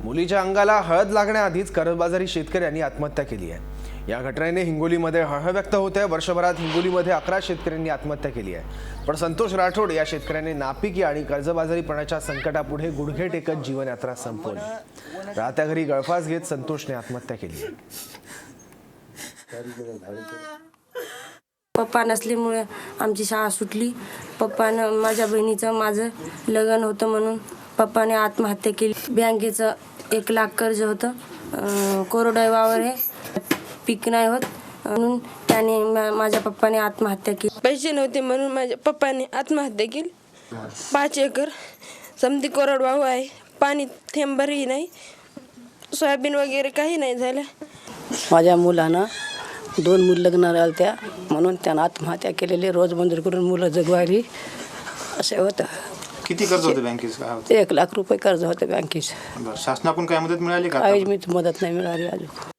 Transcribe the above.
मुलीच्या अंगाला हळद लागण्याआधीच कर्जबाजारी शेतकऱ्यांनी आत्महत्या केली आहे। या घटनेने हिंगोलीमध्ये हळहळ व्यक्त होते। वर्षभरात हिंगोलीमध्ये 11 शेतकऱ्यांनी आत्महत्या केली आहे। पण संतोष राठोड या शेतकऱ्याने नापिकी आणि कर्जबाजारीपणाच्या संकटापुढे गुडघे टेकत जीवनयात्रा संपवली। राहत्या घरी गळफास घेत संतोषने आत्महत्या केली आहे। पप्पा नसल्यामुळे आमची शाळा सुटली। पप्पानं माझ्या बहिणीचं माझं लग्न होतं म्हणून पप्पाने आत्महत्या केली। बँकेचं 1 लाख कर्ज होतं। कोरडवावर हे पीक नाही होत म्हणून त्याने माझ्या पप्पाने आत्महत्या केली। पैसे नव्हते म्हणून माझ्या पप्पाने आत्महत्या केली। 5 एकर समधी कोरडवाहू आहे, पाणी थेंबरही नाही, सोयाबीन वगैरे काही नाही झालं। माझ्या मुलानं 2 मुलं लग्न झाल्या म्हणून त्यानं आत्महत्या केलेली। रोज मंजूर करून मुलं जगवायली असं होतं। किती कर्ज होते बँकेचं? 1 लाख रुपये कर्ज होतं बँकेचं। शासनाकडून काय मदत मिळाली का? काही मदत नाही मिळाली अजून।